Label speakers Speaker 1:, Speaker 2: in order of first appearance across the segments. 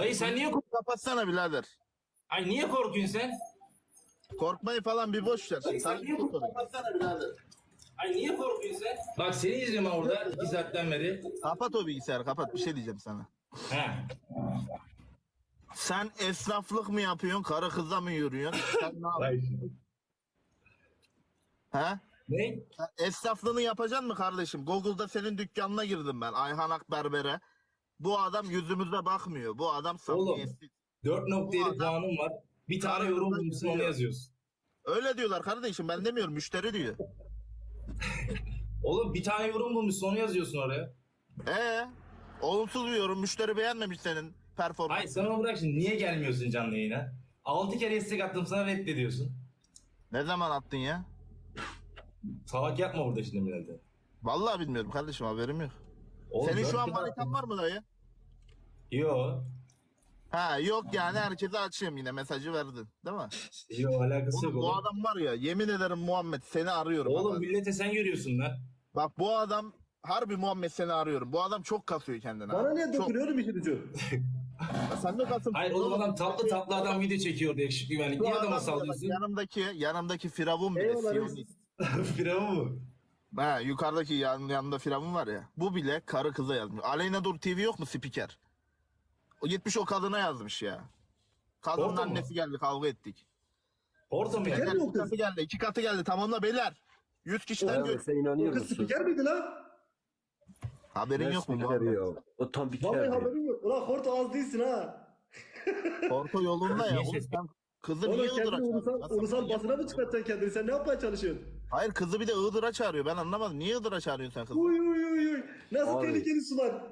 Speaker 1: Dayı sen niye korkuyorsun?
Speaker 2: Kapatsana birader.
Speaker 1: Ay niye korkuyorsun sen?
Speaker 2: Korkmayı falan bir boş ver.
Speaker 1: Sen niye korkuyorsun?
Speaker 2: Kapatsana birader.
Speaker 1: Ay niye korkuyorsun sen? Bak seni izliyorum ben orada 2 saatten beri.
Speaker 2: Kapat o bilgisayarı kapat. Bir şey diyeceğim sana.
Speaker 1: He.
Speaker 2: Sen esnaflık mı yapıyorsun? Karı kıza mı yürüyorsun? Sen ne yapıyorsun? He?
Speaker 1: Ne?
Speaker 2: Sen esnaflığını yapacaksın mı kardeşim? Google'da senin dükkanına girdim ben. Ayhan Akberber'e. Bu adam yüzümüze bakmıyor. Bu adam
Speaker 1: Oğlum
Speaker 2: samimiyetsiz.
Speaker 1: 4.7 puanım var. Bir tane yorum bulmuşsun onu yazıyorsun.
Speaker 2: Öyle diyorlar kardeşim. Ben demiyorum. Müşteri diyor.
Speaker 1: Oğlum bir tane yorum bulmuşsun onu yazıyorsun oraya.
Speaker 2: Olumsuz bir yorum. Müşteri beğenmemiş senin performansı.
Speaker 1: Hayır sen onu bırak şimdi. Niye gelmiyorsun canlı yayına? 6 kere istek attım sana reddediyorsun.
Speaker 2: Ne zaman attın ya?
Speaker 1: Salak yapma burada şimdi millete.
Speaker 2: Vallahi bilmiyorum kardeşim, haberim yok.
Speaker 1: Oğlum,
Speaker 2: Senin şu
Speaker 1: 4
Speaker 2: an
Speaker 1: kere
Speaker 2: manitan
Speaker 1: attım.
Speaker 2: var mı dayı?
Speaker 1: Yo.
Speaker 2: Ha yok yani, herkese açayım yine mesajı verdin değil mi?
Speaker 1: Yo alakası
Speaker 2: Oğlum,
Speaker 1: yok
Speaker 2: bu
Speaker 1: oğlum.
Speaker 2: adam var ya, yemin ederim Muhammed seni arıyorum.
Speaker 1: Oğlum
Speaker 2: ama.
Speaker 1: millete sen görüyorsun lan.
Speaker 2: Bak bu adam harbi Muhammed seni arıyorum. Bu adam çok kasıyor kendine.
Speaker 3: Bana
Speaker 2: abi.
Speaker 3: niye
Speaker 2: Çok.
Speaker 3: dokunuyorum işin ucu?
Speaker 2: Sen de kasın.
Speaker 1: Hayır oğlum adam tatlı tatlı adam video çekiyor yakışıklı güvenlik.
Speaker 2: Bu
Speaker 1: Niye
Speaker 2: adam
Speaker 1: adama
Speaker 2: bile bak,
Speaker 1: sallıyorsun?
Speaker 2: yanımdaki Firavun bile.
Speaker 3: Eyvallah.
Speaker 2: Siyonist.
Speaker 1: Firavun mu?
Speaker 2: Ha, yukarıdaki yanında Firavun var ya. Bu bile karı kıza yazmış. Aleyna Dur TV yok mu spiker? O gitmiş o kadına yazmış ya. Kadının
Speaker 1: Orada mı?
Speaker 2: annesi geldi, kavga ettik.
Speaker 1: Orada mı
Speaker 3: Spiker
Speaker 1: yani?
Speaker 3: mi?
Speaker 2: İki katı geldi, 2 katı geldi. Tamamla beyler. 100 kişiden
Speaker 4: Abi
Speaker 2: gör.
Speaker 4: sen
Speaker 3: O
Speaker 4: inanıyor
Speaker 3: kız
Speaker 4: musun?
Speaker 3: spiker miydi lan?
Speaker 2: Haberin yok mu Muhammed?
Speaker 4: Ya? O tam bir
Speaker 3: Vallahi
Speaker 4: kere.
Speaker 3: haberim yok. Ulan Horto az değilsin ha.
Speaker 2: Orta yolunda ya.
Speaker 1: Niye
Speaker 2: Oğlum
Speaker 1: ses-
Speaker 2: sen kızı
Speaker 3: Oğlum
Speaker 2: niye
Speaker 3: kendini
Speaker 2: Iğdır'a çağırıyorsun?
Speaker 3: ulusal basına mı çıkartacaksın kendini? Sen ne yapmaya çalışıyorsun?
Speaker 2: Hayır, kızı bir de Iğdır'a çağırıyor. Ben anlamadım. Niye Iğdır'a çağırıyorsun sen kızı?
Speaker 3: Uy uy uy uy. Nasıl
Speaker 4: Abi.
Speaker 3: tehlikeli sular.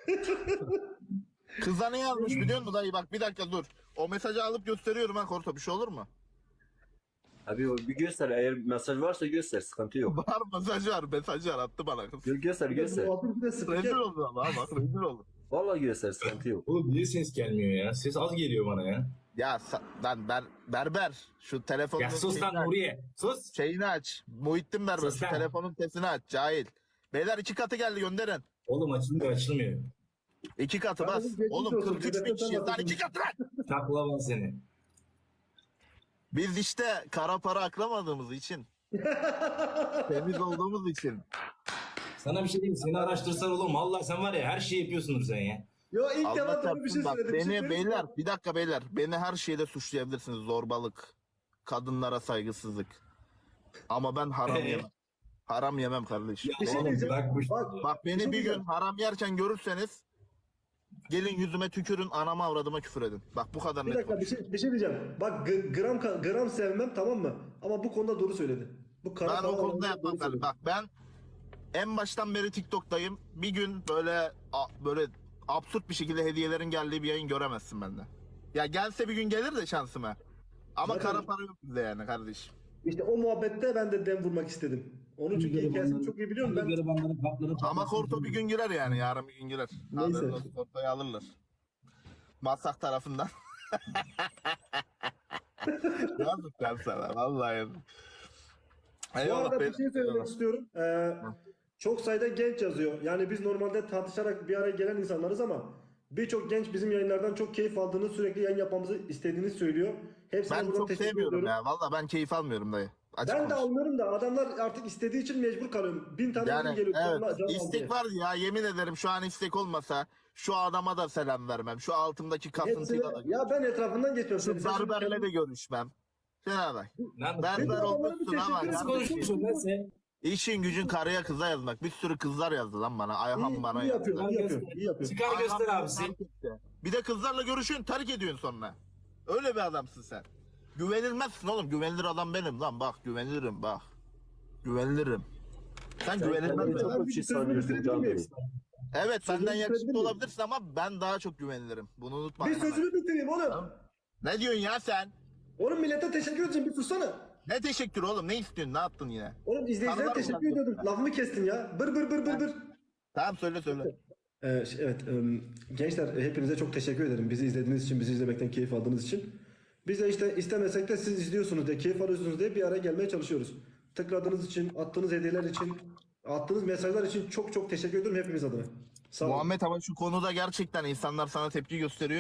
Speaker 2: Kıza ne yazmış biliyor musun dayı? Bak bir dakika dur. O mesajı alıp gösteriyorum ha Korto. Bir şey olur mu?
Speaker 4: Abi o bir göster, eğer mesaj varsa göster, sıkıntı yok.
Speaker 2: Var, mesajı var. Attı bana kız.
Speaker 4: Göster.
Speaker 3: Muhabbet bir de
Speaker 2: Rezil
Speaker 3: spiker.
Speaker 2: oldu ama bak, rezil oldu.
Speaker 4: Vallahi göster, sıkıntı yok.
Speaker 1: Oğlum niye ses gelmiyor ya? Ses az geliyor bana ya.
Speaker 2: Ya lan berber. Şu telefonun
Speaker 1: Ya sus lan
Speaker 2: şeyini aç.
Speaker 1: Nuriye. Sus.
Speaker 2: Şeyini aç. Muhittin berber.
Speaker 1: Sus
Speaker 2: Şu
Speaker 1: lan.
Speaker 2: telefonun sesini aç. Cahil. Beyler 2 katı geldi, gönderin.
Speaker 1: Oğlum açılmıyor.
Speaker 2: 2 katı bas.
Speaker 3: Kardeşim, geçmiş
Speaker 2: Oğlum
Speaker 3: olsun.
Speaker 2: 43 bin
Speaker 3: Telefon
Speaker 2: kişiyiz. Lan
Speaker 3: atıyorsun.
Speaker 2: 2 katı lan.
Speaker 1: Taklavan seni.
Speaker 2: Biz işte kara para aklamadığımız için. Temiz olduğumuz için.
Speaker 1: Sana bir şey diyeyim mi? Seni araştırsan oğlum. Vallahi sen var ya her şeyi yapıyorsundur sen ya.
Speaker 3: Yo ilk
Speaker 2: Allah
Speaker 3: defa doğru bir şey
Speaker 2: çarpsın bak,
Speaker 3: söyledim. Bir şey
Speaker 2: beni
Speaker 3: söyleyeyim mi?
Speaker 2: beyler bir dakika beyler, beni her şeyde suçlayabilirsiniz, zorbalık, kadınlara saygısızlık, ama ben haram yemem. Haram yemem kardeşim.
Speaker 3: Bir şey
Speaker 1: Oğlum
Speaker 3: diyeceğim.
Speaker 1: bırak bu işi.
Speaker 2: Bak beni
Speaker 3: şey
Speaker 2: bir gün
Speaker 3: diyeceğim.
Speaker 2: haram yerken görürseniz gelin yüzüme tükürün, anama avradıma küfür edin. Bak bu kadar
Speaker 3: Bir
Speaker 2: net.
Speaker 3: dakika bir şey diyeceğim. Bak gram sevmem tamam mı? Ama bu konuda doğru söyledi. Bu kara
Speaker 2: Ben o
Speaker 3: para
Speaker 2: konuda
Speaker 3: olayında
Speaker 2: yapmam
Speaker 3: doğru
Speaker 2: kardeşim.
Speaker 3: söyledi.
Speaker 2: Bak ben en baştan beri TikTok'tayım. Bir gün böyle absürt bir şekilde hediyelerin geldiği bir yayın göremezsin benden. Ya gelse bir gün gelir de şansıma. Ama
Speaker 3: Zaten-
Speaker 2: kara para yok bizde yani kardeşim.
Speaker 3: İşte o muhabbette ben de dem vurmak istedim. Onun çünkü hikayesini çok iyi biliyorum ben.
Speaker 1: Garibanların kapları
Speaker 2: Ama Korto bir gün girer yani, yarın bir gün girer.
Speaker 3: Neyse.
Speaker 2: Haberin olsun, Korto'yu alırlar. Masak tarafından. Yazık lan sana vallahi yazık.
Speaker 3: Bu
Speaker 2: Eyvallah.
Speaker 3: arada bir şey söylemek
Speaker 2: eyvallah.
Speaker 3: istiyorum. Çok sayıda genç yazıyor. Yani biz normalde tartışarak bir araya gelen insanlarız ama birçok genç bizim yayınlardan çok keyif aldığını, sürekli yayın yapmamızı istediğini söylüyor. Hepsine
Speaker 2: Ben
Speaker 3: buradan
Speaker 2: çok
Speaker 3: teşekkür
Speaker 2: sevmiyorum
Speaker 3: ediyorum.
Speaker 2: ya. Vallahi ben keyif almıyorum dayı. Açık
Speaker 3: Ben de
Speaker 2: konuş.
Speaker 3: almıyorum da adamlar artık istediği için mecbur kalıyorum. 1000 tane yorum
Speaker 2: Yani
Speaker 3: geliyor. Canlı-
Speaker 2: evet,
Speaker 3: canlı al
Speaker 2: istek
Speaker 3: diye.
Speaker 2: var ya, yemin ederim şu an istek olmasa şu adama da selam vermem. Şu altımdaki
Speaker 3: Hepsine,
Speaker 2: kasıntıyla da
Speaker 3: ya ben etrafından geçmiyorum.
Speaker 2: şu berberle de görüşmem. Şuna bak.
Speaker 1: Lan
Speaker 2: Berber
Speaker 3: adamlara bir
Speaker 2: olmuşsun ama
Speaker 3: teşekkür
Speaker 1: nasıl
Speaker 2: yani
Speaker 1: konuşuyorsun lan sen?
Speaker 2: işin gücün karıya kıza yazmak. Bir sürü kızlar yazdı lan bana. Ayhan bana
Speaker 3: iyi
Speaker 2: yazdı.
Speaker 3: yapıyor, iyi yapıyor, iyi yapıyor.
Speaker 1: Çıkar
Speaker 2: Ayhan
Speaker 1: göster
Speaker 2: beni
Speaker 1: abisi.
Speaker 2: terk etti. Bir de kızlarla görüşüyorsun, terk ediyorsun sonra. Öyle bir adamsın sen. Güvenilmezsin oğlum. Güvenilir adam benim lan. Bak güvenilirim bak. Güvenilirim. Sen güvenilmez
Speaker 4: kendini
Speaker 2: misin?
Speaker 4: çok bir şey sanıyorsun Can Bey.
Speaker 2: Evet,
Speaker 3: Sözünü
Speaker 2: benden yakışıklı
Speaker 3: bitirebilir miyim?
Speaker 2: olabilirsin ama ben daha çok güvenilirim. Bunu unutma.
Speaker 3: Bir sözümü bitireyim oğlum.
Speaker 2: Ne diyorsun ya sen?
Speaker 3: Oğlum millete teşekkür edeceğim bir sussana.
Speaker 2: Ne teşekkür oğlum? Ne istiyorsun? Ne yaptın yine?
Speaker 3: Oğlum izleyicilere
Speaker 2: Tanılar mı
Speaker 3: teşekkür
Speaker 2: lan?
Speaker 3: ediyordum. Lafımı kestin ya. Bır bır bır bır bır.
Speaker 2: Tamam söyle.
Speaker 3: Evet gençler hepinize çok teşekkür ederim. Bizi izlediğiniz için, bizi izlemekten keyif aldığınız için. Biz de işte istemesek de siz izliyorsunuz diye, keyif alıyorsunuz diye bir araya gelmeye çalışıyoruz. Tıkladığınız için, attığınız hediyeler için, attığınız mesajlar için çok çok teşekkür ediyorum hepimiz adına. Sağ olun.
Speaker 2: Muhammed, ama şu konuda gerçekten insanlar sana tepki gösteriyor.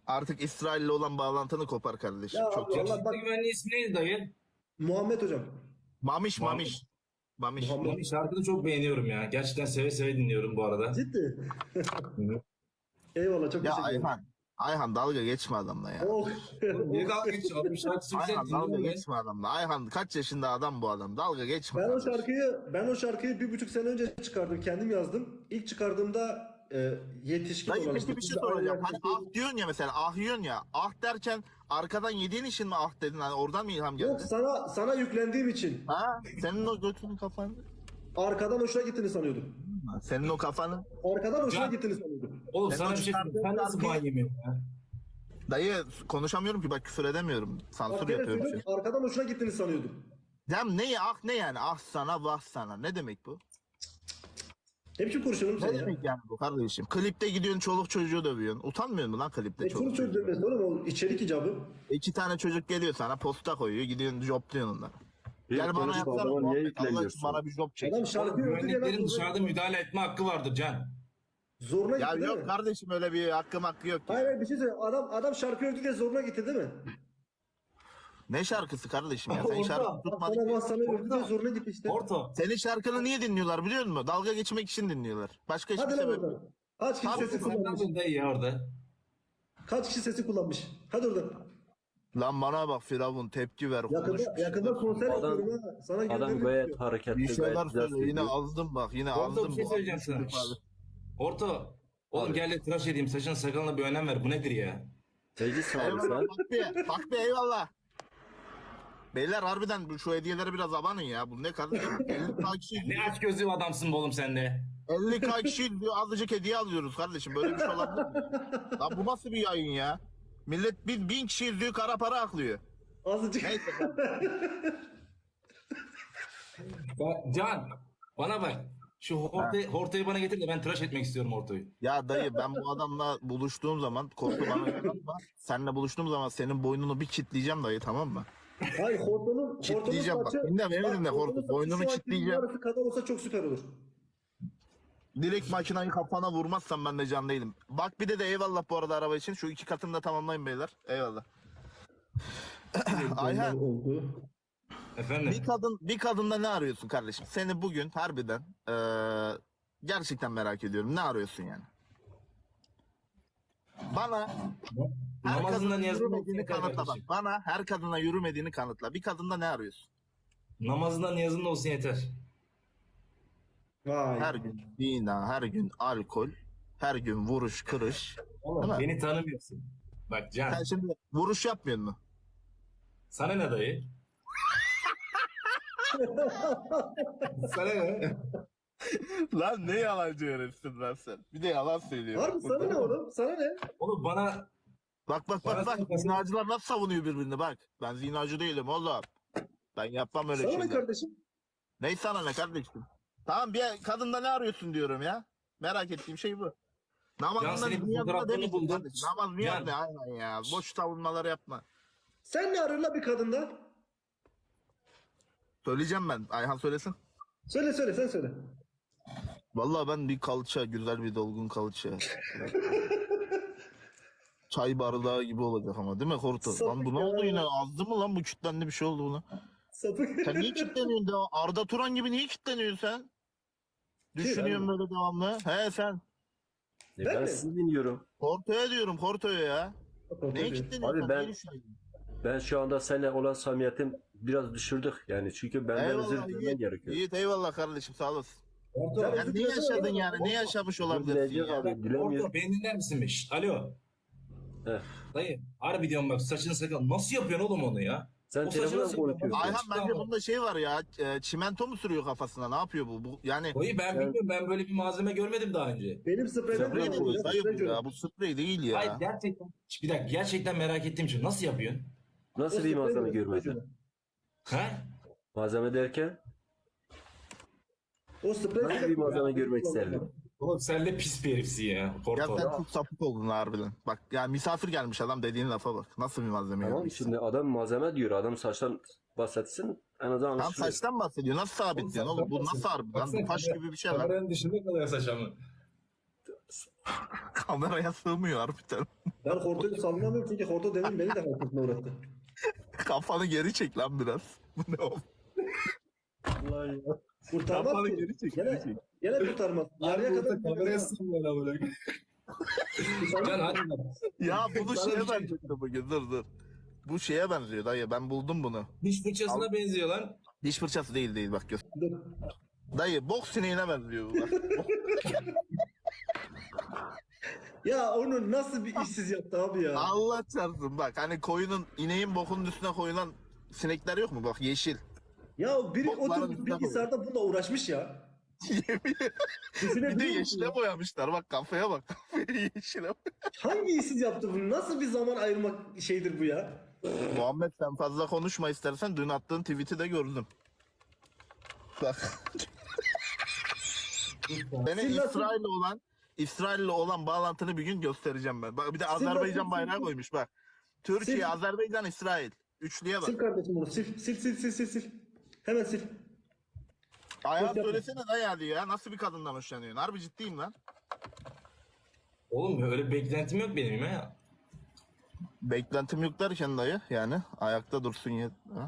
Speaker 2: Artık İsrail'le olan bağlantını kopar kardeşim.
Speaker 3: Ya
Speaker 2: Çok
Speaker 3: abi,
Speaker 2: yakışıklı.
Speaker 3: Allah bak,
Speaker 1: Yakışıklı güvenliği ismi neydi dayı?
Speaker 3: Muhammed hocam.
Speaker 2: Mamiş
Speaker 1: Muhammed.
Speaker 2: mamiş. Mamiş.
Speaker 3: Muhammed.
Speaker 1: Onun şarkını çok beğeniyorum ya. Gerçekten seve seve dinliyorum bu arada.
Speaker 3: Ciddi. Eyvallah, çok
Speaker 2: Ya
Speaker 3: teşekkür ederim.
Speaker 2: Ayhan dalga geçme adamla ya.
Speaker 3: Oh.
Speaker 1: Oğlum niye dalga geçiyorsun? Adamın şarkısı güzel
Speaker 2: Ayhan dalga
Speaker 1: dinliyorum ben.
Speaker 2: geçme adamla. Ayhan kaç yaşında adam bu adam. Dalga geçme.
Speaker 3: Ben o
Speaker 2: kardeşim.
Speaker 3: şarkıyı 1,5 sene önce çıkardım. Kendim yazdım. İlk çıkardığımda yetişkin
Speaker 2: Dayı
Speaker 3: olan
Speaker 2: peki
Speaker 3: işte,
Speaker 2: bir şey
Speaker 3: biz de aynı
Speaker 2: soracağım. Hani
Speaker 3: yaştaki-
Speaker 2: ah diyorsun ya mesela ah diyorsun ya. Ah derken arkadan yediğin için mi ah dedin? Hani oradan mı ilham geldi?
Speaker 3: Yok, sana yüklendiğim için
Speaker 2: Ha? Senin o götünün kafanı.
Speaker 3: arkadan hoşuna gittiğini sanıyordum.
Speaker 2: Senin o kafanı.
Speaker 3: Arkadan hoşuna
Speaker 1: Can.
Speaker 3: gittiğini sanıyordum.
Speaker 1: Oğlum
Speaker 2: Ben
Speaker 1: sana
Speaker 2: o
Speaker 1: bir şey söyleyeyim. Sen
Speaker 2: çıkardığım
Speaker 1: nasıl
Speaker 2: şarkıyı-
Speaker 1: ban yemiyorsun ya?
Speaker 2: Dayı konuşamıyorum ki bak küfür edemiyorum. Sansür
Speaker 3: Bak gene
Speaker 2: yapıyorum.
Speaker 3: söylüyorum, arkadan hoşuna gittiğini sanıyordum.
Speaker 2: Dem ne ya ah ne yani ah sana vah sana ne demek bu?
Speaker 3: Ne biçim konuşuyorum
Speaker 2: Ne
Speaker 3: sen ya?
Speaker 2: demek yani bu kardeşim? Klipte gidiyorsun çoluk çocuğu dövüyorsun. Utanmıyor musun lan klipte
Speaker 3: Çoluk
Speaker 2: çoluk
Speaker 3: çocuk
Speaker 2: çocuğu?
Speaker 3: demesi oğlum, o içerik icabı.
Speaker 2: 2 tane çocuk geliyor sana posta koyuyor gidiyorsun jopluyorsun onları.
Speaker 4: Bir
Speaker 2: Gel bana
Speaker 4: konuşma
Speaker 2: yapsana
Speaker 4: adama niye
Speaker 2: muhabbet, Allah için
Speaker 4: yükleniyorsun?
Speaker 2: bana bir job çek.
Speaker 3: Adam şarkı
Speaker 1: Oğlum,
Speaker 3: övdü diye
Speaker 1: güvenliklerin
Speaker 3: lan
Speaker 1: dışarıda müdahale etme hakkı vardır Can.
Speaker 3: zoruna
Speaker 2: Ya
Speaker 3: gitti değil
Speaker 2: yok
Speaker 3: mi?
Speaker 2: kardeşim öyle bir hakkım hakkı yok ya.
Speaker 3: Hayır hayır, bir şey söyle. Adam şarkı övdü diye zoruna gitti değil mi?
Speaker 2: Ne şarkısı kardeşim ya? Sen
Speaker 1: Orada,
Speaker 2: şarkı
Speaker 3: Sana
Speaker 2: tutmadın.
Speaker 3: bak, sana övdü diye zoruna gitti işte.
Speaker 1: Orto.
Speaker 2: Senin şarkını niye dinliyorlar biliyor musun? Dalga geçmek için dinliyorlar. Başka hiçbir
Speaker 3: Hadi lan
Speaker 2: sebep yok.
Speaker 3: oradan. Kaç kişi
Speaker 2: Abi,
Speaker 3: sesi
Speaker 1: Sen ne
Speaker 3: kullanmış?
Speaker 1: yapıyorsun dayı ya orada?
Speaker 3: Kaç kişi sesi kullanmış? Hadi oradan.
Speaker 2: Lan bana bak Firavun tepki ver. konuş bir
Speaker 3: Yakında
Speaker 2: şeyler.
Speaker 3: konser
Speaker 4: Adam-
Speaker 3: yapıyorum ha. Sana
Speaker 4: Adam
Speaker 3: göndermek
Speaker 4: gayet
Speaker 3: istiyorum.
Speaker 4: hareketli,
Speaker 2: Bir şeyler
Speaker 4: gayet güzel
Speaker 2: söyle yine
Speaker 4: söylüyor.
Speaker 2: azdım bak yine
Speaker 1: Orto
Speaker 2: azdım.
Speaker 1: bir şey
Speaker 2: bu.
Speaker 1: söyleyeceğim sana.
Speaker 2: Abi.
Speaker 1: Orto. Oğlum
Speaker 4: Abi.
Speaker 1: gel de tıraş edeyim. Saçın sakalına bir önem ver. Bu nedir ya?
Speaker 4: Teclis abi
Speaker 2: Eyvallah
Speaker 4: sen.
Speaker 2: bak bir eyvallah. Beyler harbiden şu hediyeleri biraz abanın ya. Bu ne kardeşim? 50k kişi
Speaker 1: Ne aç gözlü adamsın be oğlum sen de.
Speaker 2: 50k kişi diyor azıcık hediye alıyoruz kardeşim. Böyle bir şey olabilir mi? Lan bu nasıl bir yayın ya? Millet 1000 kişi izliyor kara para aklıyor.
Speaker 3: Azıcık.
Speaker 2: Neyse.
Speaker 1: Can. Bana bak. Şu hortayı bana getir de ben tıraş etmek istiyorum hortoyu.
Speaker 2: Ya dayı ben bu adamla buluştuğum zaman korku bana inanma. Seninle buluştuğum zaman senin boynunu bir kitleyeceğim dayı tamam mı?
Speaker 3: Hayır, hortonun
Speaker 2: Kitleyeceğim bak.
Speaker 3: saçı.
Speaker 2: Dinle beni
Speaker 3: Bak,
Speaker 2: dinle
Speaker 3: hortonun
Speaker 2: Hortu.
Speaker 3: saçı
Speaker 2: Boynunu
Speaker 3: şu anki
Speaker 2: kitleyeceğim.
Speaker 3: yarısı kadar olsa çok süper olur.
Speaker 2: Direkt makinayı kafana vurmazsam ben de can değilim. Bak bir de eyvallah bu arada araba için. Şu 2 katını da tamamlayın beyler. Eyvallah. Ayhan
Speaker 3: Oldu.
Speaker 1: Efendim.
Speaker 2: bir kadında ne arıyorsun kardeşim? Seni bugün harbiden gerçekten merak ediyorum. Ne arıyorsun yani? Bana her
Speaker 1: Namazında
Speaker 2: kadına
Speaker 1: niyazında
Speaker 2: yürümediğini
Speaker 1: olsun yeter
Speaker 2: kanıtla bak.
Speaker 1: kardeşim.
Speaker 2: Bana her kadına yürümediğini kanıtla. Bir kadında ne arıyorsun?
Speaker 1: Namazında niyazında olsun yeter.
Speaker 3: Vay.
Speaker 2: Her gün zina, her gün alkol, her gün vuruş, kırış.
Speaker 1: Oğlum
Speaker 2: Değil mi?
Speaker 1: beni tanımıyorsun. Bak Can.
Speaker 2: Sen şimdi vuruş yapmıyor mu?
Speaker 1: Sana ne dayı? Sana ne?
Speaker 2: Lan ne yalancı herifsin lan sen. Bir de yalan söylüyor.
Speaker 3: Harbi sana ne oğlum? Sana ne?
Speaker 1: Oğlum bana
Speaker 2: Bak
Speaker 1: Bana
Speaker 2: bak.
Speaker 1: sen-
Speaker 2: Zinacılar nasıl savunuyor birbirini bak. Ben zinacı değilim oğlum. Ben yapmam öyle
Speaker 3: Sana ne
Speaker 2: şeyler.
Speaker 3: kardeşim?
Speaker 2: Ney sana ne kardeşim? Tamam bir kadında ne arıyorsun diyorum ya. Merak ettiğim şey bu.
Speaker 1: Can,
Speaker 2: Namazında
Speaker 1: senin
Speaker 2: niyazında
Speaker 1: fotoğraflarını
Speaker 2: demeyeceksin
Speaker 1: buldum.
Speaker 2: kardeşim. Namaz niyaz
Speaker 1: Can.
Speaker 2: ne aynen ya. Boş savunmaları yapma.
Speaker 3: Sen ne arıyorsun la bir kadında?
Speaker 2: Söyleyeceğim ben. Ayhan söylesin.
Speaker 3: Söyle sen söyle.
Speaker 2: Vallahi ben bir kalça, güzel bir dolgun kalça. Çay bardağı gibi olacak ama değil mi Horto? Lan bu ne
Speaker 3: Sapık
Speaker 2: oldu
Speaker 3: ya.
Speaker 2: yine? Azdı mı lan bu kitlendi bir şey oldu buna?
Speaker 3: Sapık.
Speaker 2: Sen niye kitleniyorsun devam? Arda Turan gibi niye kitleniyorsun sen? Düşünüyorum böyle devamlı. He sen.
Speaker 4: Ben
Speaker 3: Ben mi?
Speaker 4: sizi dinliyorum.
Speaker 2: Horto'ya diyorum Horto'ya ya. Neye kitleniyorsun?
Speaker 4: Abi ben-
Speaker 2: Niye düşünüyorsun?
Speaker 4: Ben şu anda seninle olan samimiyetim biraz düşürdük yani çünkü benden özür
Speaker 2: Eyvallah
Speaker 4: dilemen
Speaker 2: Yiğit.
Speaker 4: gerekiyor.
Speaker 2: Yiğit eyvallah kardeşim sağ olasın.
Speaker 1: Orto.
Speaker 3: Sen-
Speaker 2: Sen ne yaşadın yani? Ne yaşamış olabilirsin
Speaker 4: Dileyecek
Speaker 2: ya?
Speaker 4: abi dilemiyor.
Speaker 1: Orto beni dinler misin be? Şşt, alo.
Speaker 4: Heh.
Speaker 1: Dayı harbi diyorum bak saçını sakal. Nasıl yapıyorsun oğlum onu ya?
Speaker 4: Sen
Speaker 1: O saçı
Speaker 4: telefonla
Speaker 1: nasıl
Speaker 4: mı
Speaker 1: yapıyorsun?
Speaker 4: konuşuyorsun?
Speaker 2: Ayhan bence bunda şey var ya. Çimento mu sürüyor kafasına? Ne yapıyor bu? Yani
Speaker 1: Dayı ben bilmiyorum, ben böyle bir malzeme görmedim daha önce.
Speaker 3: Benim spreyden
Speaker 2: sprey
Speaker 3: kullanıyorum
Speaker 2: değil
Speaker 3: ya,
Speaker 2: dayı
Speaker 3: sprey
Speaker 2: bu
Speaker 3: diyorum.
Speaker 2: ya. Bu sprey değil ya.
Speaker 1: Hayır gerçekten. Bir dakika gerçekten merak ettiğim için nasıl yapıyorsun?
Speaker 4: Nasıl
Speaker 3: O
Speaker 4: bir
Speaker 3: sprey
Speaker 4: malzeme
Speaker 3: diyorum,
Speaker 4: görmedin?
Speaker 3: sprey diyorum.
Speaker 1: He?
Speaker 4: Malzeme derken
Speaker 3: O sprey
Speaker 4: nasıl bir malzeme görmek isterdin?
Speaker 1: Oğlum sen de pis bir herifsin ya.
Speaker 2: Ya
Speaker 1: Porto.
Speaker 2: sen çok sapık oldun harbiden. Bak ya misafir gelmiş adam dediğin lafa bak. Nasıl bir malzeme
Speaker 4: Tamam
Speaker 2: yapmışsın?
Speaker 4: şimdi adam malzeme diyor. Adam saçtan bahsetsin en azından
Speaker 2: Tam
Speaker 4: anlaşılıyor.
Speaker 2: saçtan bahsediyor. Nasıl sabitliyorsun oğlum? Bu nasıl harbi? Lan bu taş gibi bir şey lan.
Speaker 1: Kameranın dışında kalıyor saç ama.
Speaker 2: Kameraya sığmıyor harbiden.
Speaker 3: Ben hortoyu sallamıyorum çünkü horto demin beni de hayatımda uğrattı.
Speaker 2: Kafanı geri çek lan biraz. Bu ne oğlum?
Speaker 3: Vallahi ya. Kurtarmaz
Speaker 2: Kafanı
Speaker 3: ki.
Speaker 2: geri çek,
Speaker 3: Gene,
Speaker 2: geri çek.
Speaker 3: gene kurtarmaz. Yarıya kadar
Speaker 1: Can hadi bak.
Speaker 2: Ya bunu
Speaker 1: Sana
Speaker 2: şeye
Speaker 1: bir şey-
Speaker 2: benziyor bugün, dur. Bu şeye benziyor dayı, ben buldum bunu.
Speaker 1: Diş fırçasına benziyor lan.
Speaker 2: Diş fırçası değil bak göster.
Speaker 3: Dur.
Speaker 2: Dayı boks sineğine benziyor bu bak.
Speaker 3: Ya onu nasıl bir işsiz yaptı abi ya?
Speaker 2: Allah çarpsın bak, hani koyunun, ineğin bokunun üstüne koyulan sinekler yok mu bak, yeşil.
Speaker 3: Ya biri
Speaker 2: Bokların
Speaker 3: oturmuş
Speaker 2: üstüne
Speaker 3: bilgisayarda bununla uğraşmış ya. Bir
Speaker 2: Bir de yeşile boyamışlar bak, kafaya bak. Kafayı yeşile
Speaker 3: Hangi işsiz yaptı bunu? Nasıl bir zaman ayırmak şeydir bu ya?
Speaker 2: Muhammed sen fazla konuşma istersen, dün attığın tweet'i de gördüm. Bak. Senin
Speaker 3: Siz nasıl-
Speaker 2: İsrail'le olan bağlantını bir gün göstereceğim ben. Bak bir de
Speaker 3: Siz
Speaker 2: Azerbaycan
Speaker 3: nasıl-
Speaker 2: bayrağı koymuş bak. Türkiye,
Speaker 3: Siz-
Speaker 2: Azerbaycan, İsrail. Üçlüye bak.
Speaker 3: Sil kardeşim bunu sil. Sil. Hemen sil.
Speaker 2: Ayağı
Speaker 3: Yok, yapma.
Speaker 2: söylesene dayı hadi ya. Nasıl bir kadından hoşlanıyorsun? Harbi ciddiyim lan.
Speaker 1: Oğlum öyle bir beklentim yok benim ya.
Speaker 2: Beklentim yok derken dayı yani. Ayakta dursun ya. Ha?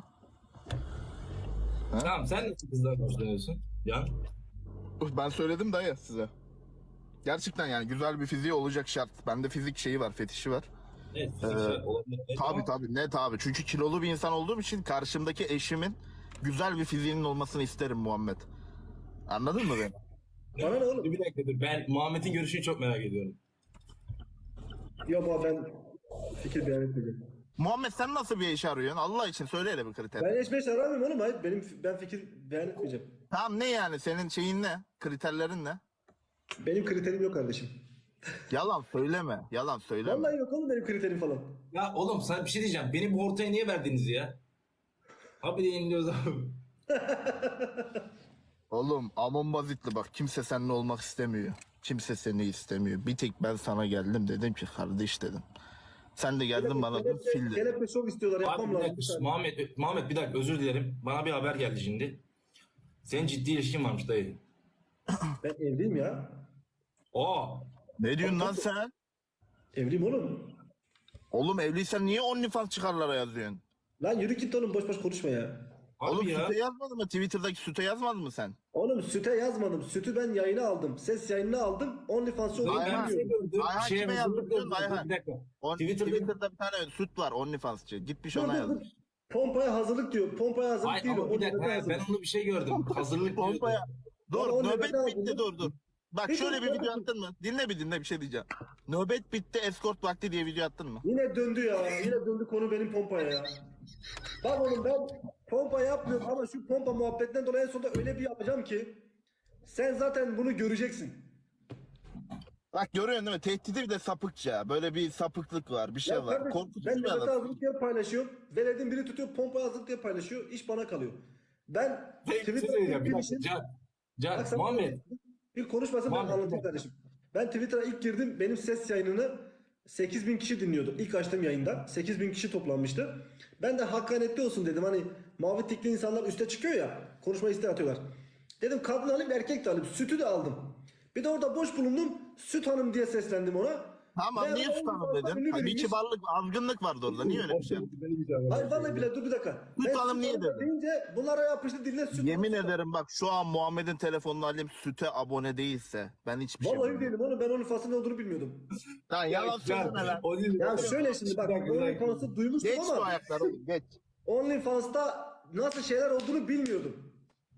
Speaker 1: Tamam sen nasıl kızdan hoşlanıyorsun? Can.
Speaker 2: Ben söyledim dayı size. Gerçekten yani güzel bir fiziği olacak şart. Bende fizik şeyi var, fetişi var.
Speaker 1: Evet, fiziksel olabilir. Evet,
Speaker 2: Tabii
Speaker 1: ama
Speaker 2: tabii, net abi. Çünkü kilolu bir insan olduğum için karşımdaki eşimin güzel bir fiziğinin olmasını isterim Muhammed. Anladın mı beni?
Speaker 3: Bana ne oğlum?
Speaker 1: Bir dakika dur. Ben Muhammed'in görüşünü çok merak ediyorum.
Speaker 3: Yok abi ben fikir beyan etmeyeceğim.
Speaker 2: Muhammed sen nasıl bir iş arıyorsun? Allah için söyle hele bir kriter.
Speaker 3: Ben eş aramıyorum oğlum. Hayır ben fikir beyan etmeyeceğim.
Speaker 2: Tamam, ne yani senin şeyin ne? Kriterlerin ne?
Speaker 3: Benim kriterim yok kardeşim.
Speaker 2: Yalan söyleme. Yalan söyleme.
Speaker 3: Vallahi yok oğlum benim kriterim falan.
Speaker 1: Ya oğlum sana bir şey diyeceğim. Beni bu ortaya niye verdiniz ya? Abi de yeniliyoruz abi.
Speaker 2: Oğlum Amon Bazitli bak, kimse seninle olmak istemiyor. Kimse seni istemiyor. Bir tek ben sana geldim, dedim ki kardeş dedim. Sen de geldin bana dedin fil dedin.
Speaker 3: Kelepçe şov istiyorlar
Speaker 1: Abi
Speaker 3: yapmam
Speaker 1: bir
Speaker 3: lazım.
Speaker 1: dakika.
Speaker 3: Bir saniye.
Speaker 1: Muhammed bir dakika özür dilerim. Bana bir haber geldi şimdi. Senin ciddi ilişkin varmış dayı.
Speaker 3: Ben evliyim ya.
Speaker 1: Aa.
Speaker 2: Ne diyorsun lan sen?
Speaker 3: Evliyim oğlum.
Speaker 2: Oğlum evliysen niye OnlyFans çıkarlara yazıyorsun?
Speaker 3: Lan yürü git oğlum boş boş konuşma ya.
Speaker 1: Abi
Speaker 2: Oğlum
Speaker 1: ya.
Speaker 2: süte yazmadın mı? Twitter'daki süte yazmadın mı sen?
Speaker 3: Oğlum süte yazmadım. Sütü ben yayına aldım. Ses yayınına aldım. OnlyFans'ı
Speaker 1: Dayı
Speaker 3: olduğunu
Speaker 1: ben bir şey
Speaker 3: bilmiyorum.
Speaker 1: gördüm.
Speaker 2: Ayhan
Speaker 1: Bir şeye
Speaker 2: kime
Speaker 1: hazırlık
Speaker 2: yazdın biliyor musun
Speaker 1: gördüm.
Speaker 2: Ayhan?
Speaker 1: Bir dakika.
Speaker 2: Twitter'da
Speaker 1: Twitter'da
Speaker 2: bir tane süt var OnlyFans'çı. Gitmiş
Speaker 3: Dur,
Speaker 2: ona
Speaker 3: dur,
Speaker 2: yazmış.
Speaker 3: dur. Pompaya hazırlık diyor. Pompaya hazırlık
Speaker 1: Ay,
Speaker 3: değil.
Speaker 1: ama bir
Speaker 3: O
Speaker 1: dakika.
Speaker 3: nöbete
Speaker 1: Ben
Speaker 3: hazırlık.
Speaker 1: onu bir şey gördüm. Hazırlık diyordu.
Speaker 2: Pompaya. Dur
Speaker 3: Ama o
Speaker 2: nöbet
Speaker 3: nöbete
Speaker 2: bitti,
Speaker 3: hazırlık.
Speaker 2: dur. Bak
Speaker 3: Bir
Speaker 2: şöyle
Speaker 3: dur,
Speaker 2: bir
Speaker 3: dur.
Speaker 2: video attın mı? Dinle bir şey diyeceğim. Nöbet bitti, eskort vakti diye video attın mı?
Speaker 3: Yine döndü ya. Yine döndü konu benim pompaya ya. Bak oğlum ben pompa yapmıyorum ama şu pompa muhabbetinden dolayı en sonunda öyle bir yapacağım ki sen zaten bunu göreceksin.
Speaker 2: Bak görüyorsun değil mi? Tehdidi bir de sapıkça. Böyle bir sapıklık var, bir şey
Speaker 3: Ya
Speaker 2: var.
Speaker 3: kardeşim,
Speaker 2: Korkutucu
Speaker 3: ben
Speaker 2: bir
Speaker 3: nöbete
Speaker 2: adam.
Speaker 3: hazırlık diye paylaşıyorum. Veledin biri tutuyor pompaya hazırlık diye paylaşıyor. İş bana kalıyor. Ben
Speaker 1: Peki, bir şey
Speaker 3: Twitter'da
Speaker 1: söyleyeceğim. Bir
Speaker 3: ilk
Speaker 1: dakika.
Speaker 3: girişim.
Speaker 1: Can
Speaker 3: Bak sen
Speaker 1: Muhammed.
Speaker 3: bir konuşmasın ben
Speaker 1: Muhammed,
Speaker 3: anlatayım kardeşim. Ben Twitter'a ilk girdim. Benim ses yayınını 8.000 kişi dinliyordu. İlk açtığım yayında 8.000 kişi toplanmıştı. Ben de hakkaniyetli olsun dedim. Hani mavi tikli insanlar üste çıkıyor ya. Konuşma isteği atıyorlar. Dedim kadın alayım erkek de alayım. Sütü de aldım. Bir de orada boş bulundum. Süt hanım diye seslendim ona.
Speaker 2: Tamam,
Speaker 3: Meğer
Speaker 2: niye
Speaker 3: o
Speaker 2: tutalım
Speaker 3: ünlü
Speaker 2: dedin? Hani bir
Speaker 3: biriymiş.
Speaker 2: kibarlık, azgınlık vardı orada. Niye öyle bir şey yaptın?
Speaker 3: Hayır vallahi bile dur bir dakika.
Speaker 2: Süt
Speaker 3: Ben
Speaker 2: hanım niye
Speaker 3: hanım
Speaker 2: dedin?
Speaker 3: deyince bunlara yapıştı diline süt.
Speaker 2: Yemin
Speaker 3: süt.
Speaker 2: ederim bak, şu an Muhammed'in telefonunu alayım, süte abone değilse ben hiçbir şey
Speaker 3: Vallahi
Speaker 2: bilmiyorum.
Speaker 3: değilim oğlum ben onun fasıl ne olduğunu bilmiyordum.
Speaker 2: Lan yalan
Speaker 1: Can,
Speaker 2: söyleme lan.
Speaker 1: o değil.
Speaker 3: Ya şöyle şimdi bak
Speaker 1: Bir dakika.
Speaker 3: OnlyFans'ı duymuştum
Speaker 2: Geç şu
Speaker 3: ama
Speaker 2: ayakları oğlum, geç.
Speaker 3: OnlyFans'ta nasıl şeyler olduğunu bilmiyordum.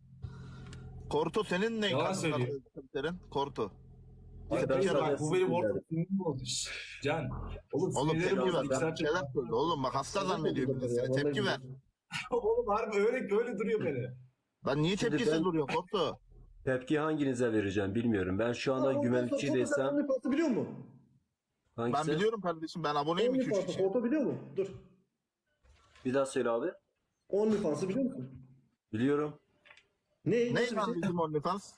Speaker 2: Korto senin ne?
Speaker 1: Yalan
Speaker 2: kadınlar
Speaker 1: söylüyor.
Speaker 2: kriterin? Korto.
Speaker 1: Bak,
Speaker 2: Tepki ver.
Speaker 1: bak, bu benim orta sinirim oldu. Şşş, Can. Oğlum
Speaker 2: Oğlum
Speaker 1: sinirlerim
Speaker 2: tepki
Speaker 1: bozuldu.
Speaker 2: ver.
Speaker 1: İki
Speaker 2: Ben
Speaker 1: saat
Speaker 2: şeyler söyle. Oğlum bak hasta zannediyor bir de seni. Tepki ver.
Speaker 1: Oğlum harbi öyle duruyor beni.
Speaker 2: Lan niye
Speaker 4: Şimdi
Speaker 2: tepkisiz
Speaker 4: ben-
Speaker 2: duruyor Korto?
Speaker 4: Tepki hanginize vereceğim bilmiyorum. Ben şu anda güvenlikçi desem
Speaker 3: OnlyFans'ı biliyor musun?
Speaker 4: hangisi?
Speaker 2: Ben biliyorum kardeşim, ben aboneyim 2-3
Speaker 3: OnlyFans'ı
Speaker 2: kişi.
Speaker 3: Korto biliyor mu? Dur.
Speaker 4: Bir daha söyle abi.
Speaker 3: OnlyFans'ı biliyor musun?
Speaker 4: Biliyorum.
Speaker 3: Ne?
Speaker 2: Ne
Speaker 3: Nasıl bir
Speaker 2: lan
Speaker 3: şey?
Speaker 2: bizim OnlyFans?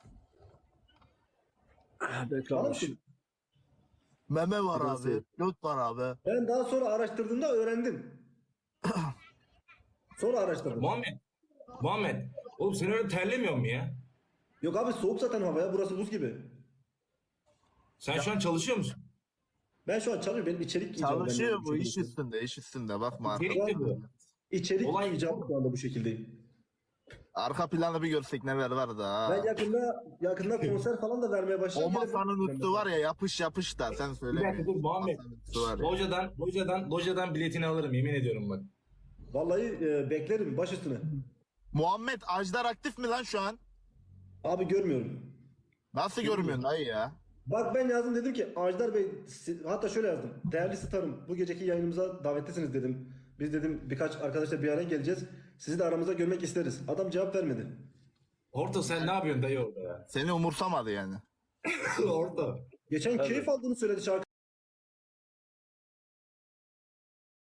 Speaker 3: Tamam mı?
Speaker 2: Meme var
Speaker 4: Nasıl?
Speaker 2: abi. Göt var abi.
Speaker 3: Ben daha sonra araştırdığımda öğrendim. Sonra araştırdım.
Speaker 1: Muhammed. Oğlum sen öyle terlemiyor mu ya?
Speaker 3: Yok abi soğuk zaten hava ya. Burası buz gibi.
Speaker 1: Sen şu an çalışıyor musun?
Speaker 3: Ben şu an çalışıyorum. Benim içerik icabı.
Speaker 2: Çalışıyor
Speaker 3: ben
Speaker 2: bu
Speaker 3: bu
Speaker 2: iş
Speaker 3: şekilde.
Speaker 2: üstünde, iş üstünde. Bakma arka,
Speaker 1: İçerik de bu.
Speaker 3: İçerik
Speaker 1: Olay-
Speaker 3: icabı şu anda bu şekildeyim.
Speaker 2: arka planı bir görsek neler var da.
Speaker 3: Ben yakında konser falan da vermeye
Speaker 2: O
Speaker 3: başlayacağım.
Speaker 2: masanın üstü var ya yapış yapış da sen
Speaker 1: Bir
Speaker 2: söyle.
Speaker 1: dakika dur Muhammed.
Speaker 2: Masanın üstü var ya.
Speaker 1: Lojadan biletini alırım yemin ediyorum bak.
Speaker 3: Vallahi beklerim baş üstüne.
Speaker 2: Muhammed Ajdar aktif mi lan şu an?
Speaker 3: Abi görmüyorum.
Speaker 2: Nasıl görmüyorsun dayı ya?
Speaker 3: Bak ben yazdım dedim ki Ajdar Bey hatta şöyle yazdım. Değerli starım bu geceki yayınımıza davetlisiniz dedim. Biz dedim birkaç arkadaşla bir araya geleceğiz. Sizi de aramıza görmek isteriz. Adam cevap vermedi.
Speaker 1: Horto sen ne yapıyorsun dayı orada ya?
Speaker 2: Seni umursamadı yani.
Speaker 1: Horto.
Speaker 3: Geçen keyif aldığını söyledi şarkı.